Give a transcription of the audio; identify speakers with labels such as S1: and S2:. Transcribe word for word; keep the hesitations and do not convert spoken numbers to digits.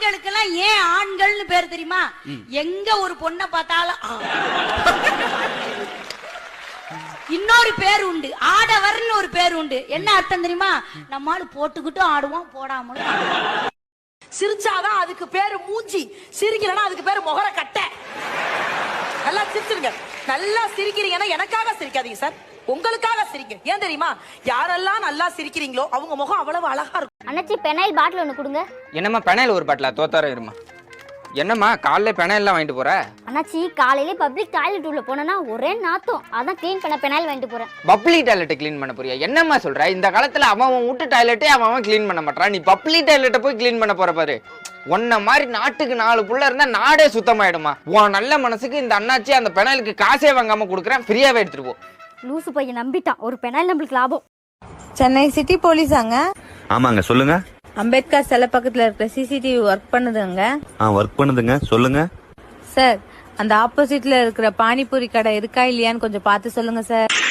S1: ஆண்களுக்கு எல்லாம் ஏன் ஆண்கள்னு பேர் தெரியுமா? எங்க ஒரு பொண்ணை பார்த்தாலும் இன்னொரு பேர் உண்டு, ஆடவர்னு ஒரு பேர் உண்டு. என்ன அர்த்தம் தெரியுமா? நம்மால போட்டுக்கிட்டும் ஆடுவோம், போடாமலும்.
S2: சிரிச்சாதான் அதுக்கு பேரு மூஞ்சி, சிரிக்கலன்னா அதுக்கு பேரு முகர கட்டை. நல்லா சிரிச்சிருங்க. நல்லா சிரிக்கிறீங்கன்னா எனக்காக சிரிக்காதீங்க சார், உங்களுக்காக சிரிங்க. ஏன் தெரியுமா? யாரெல்லாம் நல்லா சிரிக்கிறீங்களோ அவங்க முகம் அவ்வளவு அழகா இருக்கும்.
S3: அண்ணாச்சி பெனாயில் பாட்டில் ஒன்று கொடுங்க.
S4: என்னம்மா பெனாயில் ஒரு பாட்டிலா? தோத்தார இருமா. என்னம்மா காலைல பெனாயில்லாம் வாங்கிட்டு போற?
S3: அண்ணாச்சி காலையிலே பப்ளிக் டாய்லெட் உள்ள போனா ஒரே நாத்தம், அதான் க்ளீன் பண்ண பெனாயில் வாங்கிட்டு போறேன்.
S4: பப்ளிக் டாய்லெட்டை க்ளீன் பண்ண போறியா? என்னம்மா சொல்ற? இந்த காலத்துல அவன் வீட்டு டாய்லெட்டே அவன் க்ளீன் பண்ண மாட்டான், நீ பப்ளிக் டாய்லெட்டை போய் க்ளீன் பண்ண போற பாரு. உன்ன மாதிரி நாட்டுக்கு நாலு புள்ள இருந்தா நாடே சுத்தமாயிடுமா. உன் நல்ல மனசுக்கு இந்த அண்ணாச்சி அந்த பெனாயிலுக்கு காசே வாங்காம கொடுக்குறேன், ஃப்ரீயாவே எடுத்துட்டு போ.
S3: லூசு பையன் நம்பிட்டான், ஒரு பெனாயில் நம்மளுக்கு லாபம்.
S5: சென்னை சிட்டி போலீஸாங்க?
S6: ஆமாங்க, சொல்லுங்க.
S5: அம்பேத்கர் சிலை பக்கத்துல இருக்கிற சிசிடிவி ஒர்க் பண்ணுதுங்க.
S6: ஆ, ஒர்க் பண்ணுதுங்க, சொல்லுங்க.
S5: சார், அந்த ஆப்போசிட்ல இருக்கிற பானிபூரி கடை இருக்கா இல்லையான்னு கொஞ்சம் பார்த்து சொல்லுங்க சார்.